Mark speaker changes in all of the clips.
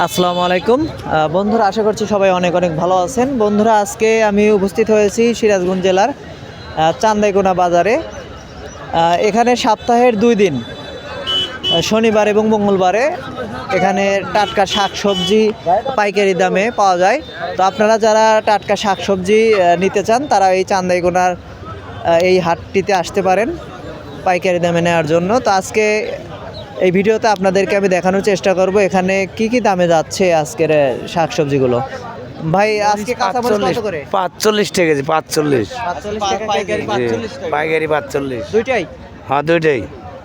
Speaker 1: আসসালামু আলাইকুম বন্ধুরা, আশা করছি সবাই অনেক অনেক ভালো আছেন। বন্ধুরা, আজকে আমি উপস্থিত হয়েছি সিরাজগঞ্জ জেলার চান্দাইকোনা বাজারে। এখানে সপ্তাহের 2 দিন শনিবার এবং মঙ্গলবারে এখানে টাটকা শাকসবজি পাইকারি দামে পাওয়া যায়। তো আপনারা যারা টাটকা শাকসবজি নিতে চান তারা এই চান্দাইকোনার এই হাটটিতে আসতে পারেন পাইকারি দামে নেওয়ার জন্য। তো আজকে এই ভিডিওতে আপনাদেরকে আমি দেখানোর চেষ্টা করব এখানে কি কি দামে যাচ্ছে আজকের শাকসবজিগুলো। ভাই, আজকে কাঁচামরিচ কত করে?
Speaker 2: 45 টাকা কেজি। 45
Speaker 1: টাকা পাইকারি, 45 টাকা
Speaker 2: পাইকারি 45।
Speaker 1: দুইটাই?
Speaker 2: হ্যাঁ, দুইটাই।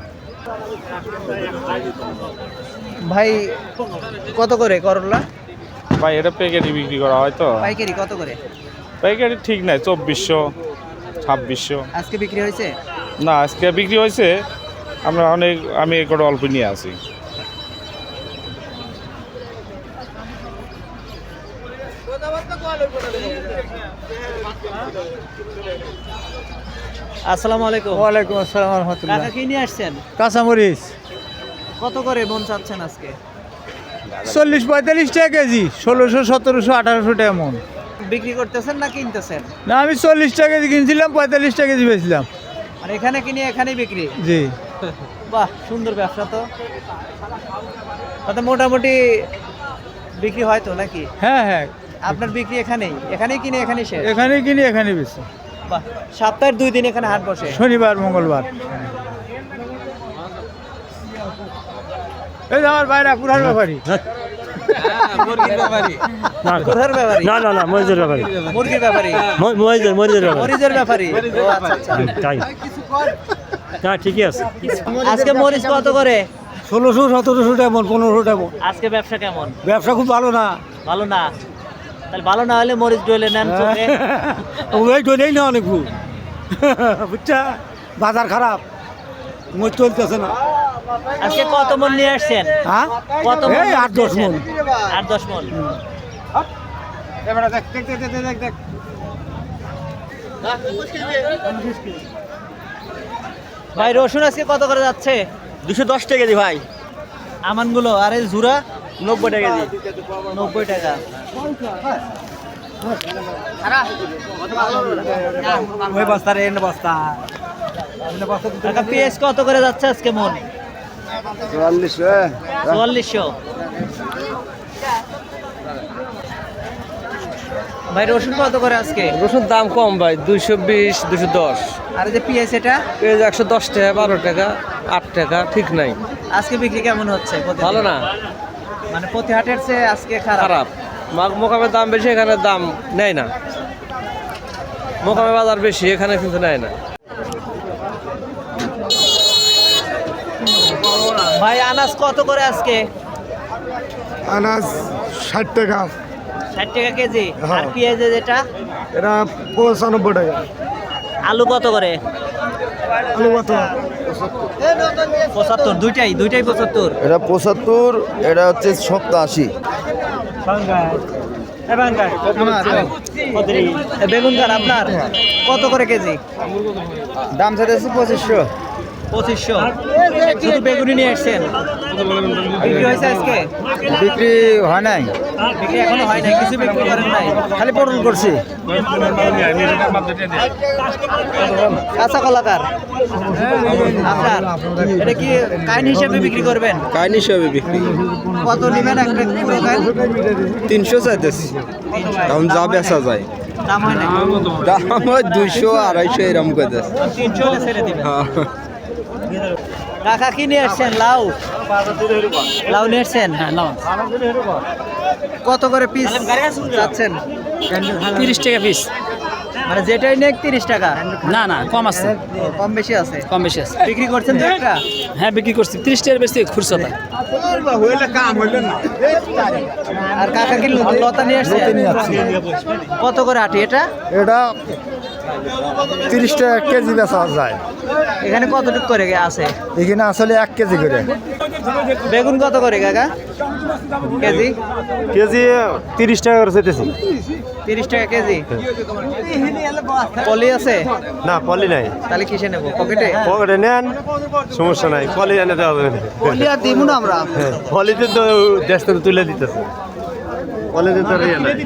Speaker 1: ভাই, কত করে করলা?
Speaker 3: ভাই এটা প্যাকেটে বিক্রি করা হয় তো।
Speaker 1: পাইকারি কত করে?
Speaker 3: প্যাকেটে ঠিক নাই, 2400 2600।
Speaker 1: আজকে বিক্রি হয়েছে?
Speaker 3: না, আজকে বিক্রি হয়েছে। আমি একটা অল্প নিয়ে আসি।
Speaker 1: আসসালামু আলাইকুম।
Speaker 4: ওয়ালাইকুম আসসালাম
Speaker 1: টাকা
Speaker 4: রহমতুল্লাহ।
Speaker 1: কি নিয়ে আসছেন?
Speaker 4: কাঁচামরিচ
Speaker 1: কত করে মন চাচ্ছেন আজকে?
Speaker 4: 40-45 টাকা কেজি, 1600, 1700, 1800 টাকা মন।
Speaker 1: বিক্রি করতেছেন না কিনতেছেন?
Speaker 4: না, আমি 40 টাকা কেজি কিনছিলাম, 45 টাকা কেজি বেচলাম।
Speaker 1: আর এখানে কিনে এখানেই বিক্রি?
Speaker 4: জি।
Speaker 1: বাহ, সুন্দর ব্যবসা তো। তাতে মোটামুটি বিক্রি হয় তো নাকি?
Speaker 4: হ্যাঁ হ্যাঁ,
Speaker 1: আপনার বিক্রি এখানেই কিনে এখানেই শেষ?
Speaker 4: এখানেই কিনি এখানেই বেশি।
Speaker 1: বাহ, সপ্তাহের 2 দিন এখানে হাট বসে?
Speaker 4: শনিবার মঙ্গলবার। এই যে আমার বাইরে পুরান ব্যাপারী।
Speaker 1: কোথার ব্যাপারী?
Speaker 5: না না না, মরিচের ব্যাপারে।
Speaker 1: মুরগির ব্যাপারী?
Speaker 5: মরিচের ব্যাপারে।
Speaker 1: মরিচের ব্যাপারী? ও আচ্ছা আচ্ছা।
Speaker 5: তাই না, ঠিকই আছে।
Speaker 1: আজকে মরিচ কত করে?
Speaker 4: 1600, 1700 টাকা মন, 1500 টাকা মন।
Speaker 1: আজকে ব্যবসা কেমন?
Speaker 4: ব্যবসা খুব ভালো না।
Speaker 1: ভালো না? তাহলে ভালো না হলে মরিচ ডলে নেন চোখে।
Speaker 4: ওই ডলেই না অনেক বুঝছা, বাজার খারাপ, মরিচ চলতেছে না।
Speaker 1: আজকে কত মন নিয়ে আসছেন?
Speaker 4: হ্যাঁ,
Speaker 1: কত মন?
Speaker 4: এই 8-10 মন।
Speaker 1: 8-10 মন। ভাই, রসুন আজকে কত করে যাচ্ছে?
Speaker 5: 210 টাকা কেজি ভাই।
Speaker 1: আমানগুলো আর এই ঝুরা?
Speaker 5: 90 টাকা কেজি।
Speaker 1: 90 টাকা।
Speaker 4: ওই বস্তা রে, এনে বস্তা।
Speaker 1: টাকা পেঁয়াজ কত করে যাচ্ছে আজকে মন? 4400। ভাই, রসুন কত করে আজকে?
Speaker 5: রসুন দাম কম ভাই, 220 210।
Speaker 1: আর এই যে পেঁয়াজ এটা?
Speaker 5: পেঁয়াজ 110 টাকা, 12 টাকা, 8 টাকা, ঠিক নাই।
Speaker 1: আজকে বিক্রি কেমন হচ্ছে?
Speaker 5: ভালো না,
Speaker 1: মানে প্রতি হাটের চেয়ে আজকে খারাপ?
Speaker 5: খারাপ। মোকামের দাম বেশি, এখানে দাম নেয় না। মোকামে বাজার বেশি, এখানে কিন্তু নেয় না।
Speaker 1: ভাই, আনাজ কত করে আজকে?
Speaker 6: আনাজ 60 টাকা।
Speaker 1: 60 টাকা কেজি। আর পেঁয়াজ যেটা?
Speaker 6: এটা 95 টাকা।
Speaker 1: আলু কত করে?
Speaker 6: আলু কত?
Speaker 1: 75। দুইটাই 75?
Speaker 6: এটা 75, এটা হচ্ছে 87।
Speaker 1: বেগুন কার আপনার? কত করে কেজি?
Speaker 4: দাম চাইতেছি 2500।
Speaker 1: 2500। শুধু বেগুনি নিয়ে আসছেন? বিক্রি হয়েছে আজকে?
Speaker 4: বিক্রি হয় নাই,
Speaker 1: বিক্রি এখনো হয় নাই, কিছু বিক্রি করেন নাই?
Speaker 4: খালি পটল করছি।
Speaker 1: কাঁচা কলাকার আপনার? এটা কি কাইন হিসেবে বিক্রি করবেন?
Speaker 2: কাইন হিসাবে বিক্রি।
Speaker 1: কত নেবেন একটা পুরো কাইন?
Speaker 2: 300 চাইতেছি। এখন যা বেচা যায়,
Speaker 1: দাম হয় না?
Speaker 2: দাম হয় 200 250 এরকম করে।
Speaker 1: 300 হলে ছেড়ে দিবেন। কাকা, কি নিয়ে আসছেন? লাউ? লাউ নিয়ে আসছেন? হ্যাঁ, লাউ। কত করে পিস যাচ্ছেন?
Speaker 7: 30 টাকা পিস।
Speaker 1: মানে যেটাই নেক 30 টাকা?
Speaker 7: না না, কম আছে,
Speaker 1: কম বেশি আছে?
Speaker 7: কম বেশি আছে।
Speaker 1: বিক্রি করছেন দু একটা?
Speaker 7: হ্যাঁ, বিক্রি করছি 30 টাকার বেশি খুরসাটা।
Speaker 1: আর কাকা কি লতা নিয়ে আসছে? কত করে আটি এটা?
Speaker 6: এটা 30 টাকা কেজি বেচা যায়।
Speaker 1: এখানে কতটুকু করে আছে?
Speaker 6: এখানে আসলে 1 কেজি করে।
Speaker 1: বেগুন কত করে কাকা কেজি?
Speaker 6: কেজি 30 টাকা করে চাইতেছি
Speaker 1: 30 টাকা কেজি। পলি আছে?
Speaker 6: না পলি নাই,
Speaker 1: তাহলে কিসে নেবো, পকেটে?
Speaker 6: পকেটে নেন, সমস্যা নাই, পলি এনে দেওয়া হবে না।
Speaker 1: পলি আর দিব না আমরা।
Speaker 6: পলিতে তো দেশ থেকে তুলে দিতেছে, পলিতে তো ইয়ে নাই।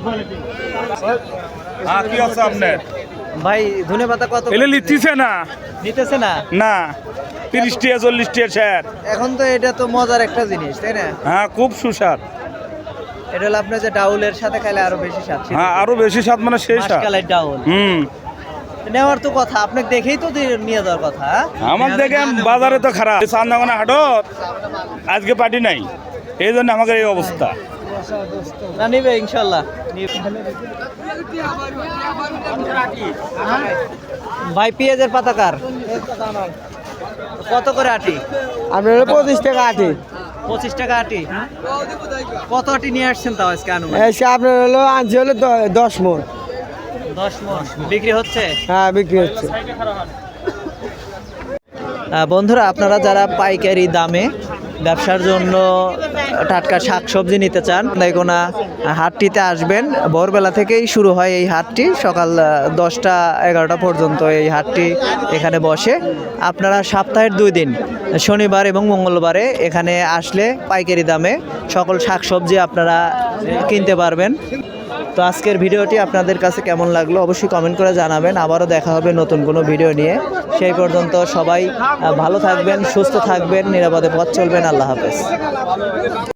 Speaker 3: হ্যাঁ কি আছে আপনার
Speaker 1: ভাই ধনে পাতা কত?
Speaker 3: এলে লিখতেছে না
Speaker 1: নিতেছে না?
Speaker 3: না 30 টাকা 40 টাকা স্যার।
Speaker 1: এখন তো এটা তো মজার একটা জিনিস, তাই না?
Speaker 3: হ্যাঁ খুব সুস্বাদ।
Speaker 1: এটা হলো আপনার যে ডাউলের সাথে খাইলে আরো বেশি স্বাদ।
Speaker 3: হ্যাঁ আরো বেশি স্বাদ মানে সেই স্বাদ।
Speaker 1: মাসকালাই ডাউল নেওয়ার তো কথা, আপনাকে দেখেই তো নিয়ে যাওয়ার কথা।
Speaker 3: আমার দেখে বাজারে তো খারাপ, চান্দাগোনা হাটত আজকে পার্টি নাই, এই জন্য আমাদের এই অবস্থা।
Speaker 1: না নিবে ইনশাল্লাহ। ভাই পেঁয়াজের পাতা কার কত করে আটি?
Speaker 6: আপনার 25 টাকা আটি,
Speaker 1: 25 টাকা আটি। কত আটি নিয়ে আসছেন তাও আজকে আনুমানিক?
Speaker 6: এসে আপনার হলো আনছি হলো 10 মণ।
Speaker 1: 10 মণ বিক্রি হচ্ছে?
Speaker 6: হ্যাঁ বিক্রি হচ্ছে।
Speaker 1: বন্ধুরা, আপনারা যারা পাইকারি দামে ব্যবসার জন্য টাটকা শাকসবজি নিতে চান, চান্দাইকোনা হাটটিতে আসবেন। ভোরবেলা থেকেই শুরু হয় এই হাটটি, সকাল 10টা-11টা পর্যন্ত এই হাটটি এখানে বসে। আপনারা সপ্তাহের 2 দিন শনিবার এবং মঙ্গলবারে এখানে আসলে পাইকারি দামে সকল শাকসবজি আপনারা কিনতে পারবেন। তো আজকের ভিডিওটি আপনাদের কাছে কেমন লাগলো অবশ্যই কমেন্ট করে জানাবেন। আবারও দেখা হবে নতুন কোনো ভিডিও নিয়ে। সেই পর্যন্ত সবাই ভালো থাকবেন, সুস্থ থাকবেন, নিরাপদে পথ চলবেন। আল্লাহ হাফেজ।